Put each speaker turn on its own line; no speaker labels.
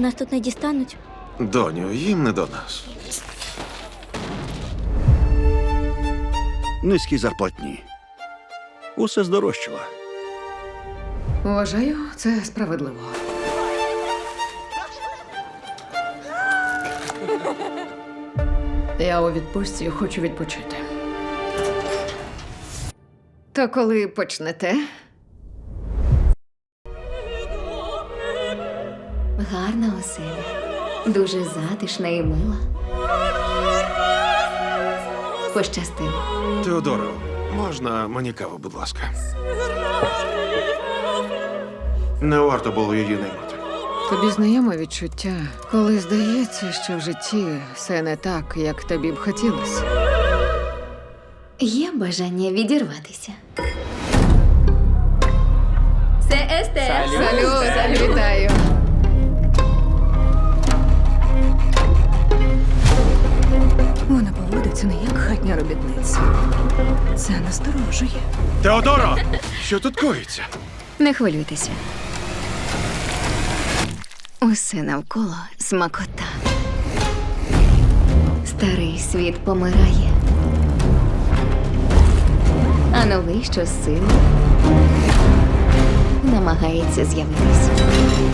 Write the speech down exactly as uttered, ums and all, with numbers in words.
Нас тут не дістануть.
Доню, їм не до нас.
Низькі зарплатні. Усе здорожчало.
Вважаю, це справедливо. Я у відпустці хочу відпочити. То коли почнете?
Гарна оселя. Дуже затишна і мила. Пощастило.
Теодоро, можна мені каву, будь ласка? Не варто було її наймати.
Тобі знайоме відчуття, коли здається, що в житті все не так, як тобі б хотілося.
Є бажання відірватися. Це Естер.
Салют, вітаю. Вона поводиться не як хатня робітниця. Це насторожує.
Теодоро! Що тут коїться?
Не хвилюйтеся. Усе навколо смакота. Старий світ помирає. А новий щосили намагається з'явитись.